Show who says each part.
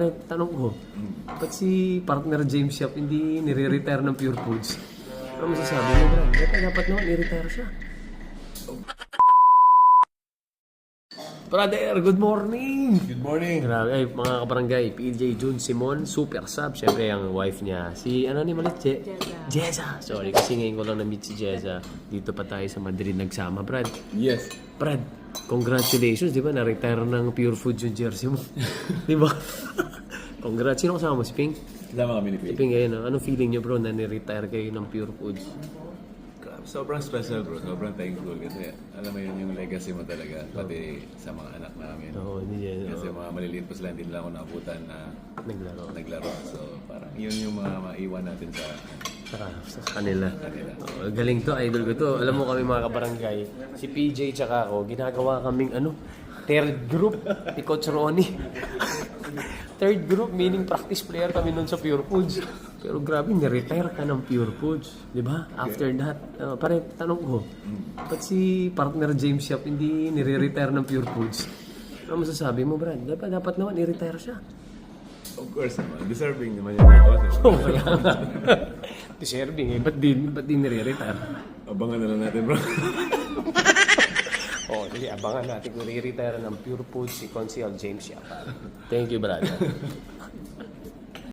Speaker 1: pare, tanong ko, ba't si partner James Yap hindi nire-retire ng Pure Foods? Ano masasabi mo, Brad? Dapat naman i-retire siya. Brother, good morning!
Speaker 2: Good morning.
Speaker 1: Grabe, ay, mga kabarangay, PJ Jun Simon, super sub. Siyempre, ang wife niya, si, ano ni malit? Jeza. Sorry, kasi ngayon ko lang na-meet si Jeza. Dito pa tayo sa Madrid nagsama, Brad.
Speaker 2: Yes.
Speaker 1: Brad, congratulations, di ba? Na-retire ng Pure Foods yung jersey mo. Di ba? Congrats. Sino kasama mo? Si Ping?
Speaker 2: Kasama kami ni
Speaker 1: Si
Speaker 2: Pete.
Speaker 1: Ping, ngayon. Anong feeling niyo, bro, na ni-retire kayo ng Pure Foods?
Speaker 2: Sobrang special bro, sobrang thankful kasi alam mo yun yung legacy mo talaga pati sa mga anak namin.
Speaker 1: Oo, hindi yan.
Speaker 2: Kasi mga maliliit pa sila, hindi nila ako naabutan na naglaro. So parang yun yung mga maiwan natin
Speaker 1: Sa kanila. Oh, galing to, idol ko to. Alam mo kami mga kabarangay, si PJ tsaka ako, ginagawa kaming third group ni Coach Ronnie. Third group, meaning practice player kami nun sa Pure Foods. Pero grabe, ni-retire ka ng Pure Foods. Di ba? After that, pare, tanong ko, ba't si partner James Yap hindi nire-retire ng Pure Foods? Ano masasabi mo, Brad? Dapat naman i-retire siya.
Speaker 2: Of course naman, deserving naman yung mga
Speaker 1: Oh, kaya nga. Deserving eh. Ba't di nire-retire?
Speaker 2: Abangan na lang natin bro.
Speaker 1: Oh, sige, abangan natin kung i-retire ng Pure Foods si Consiel James Yap. Thank you, brother.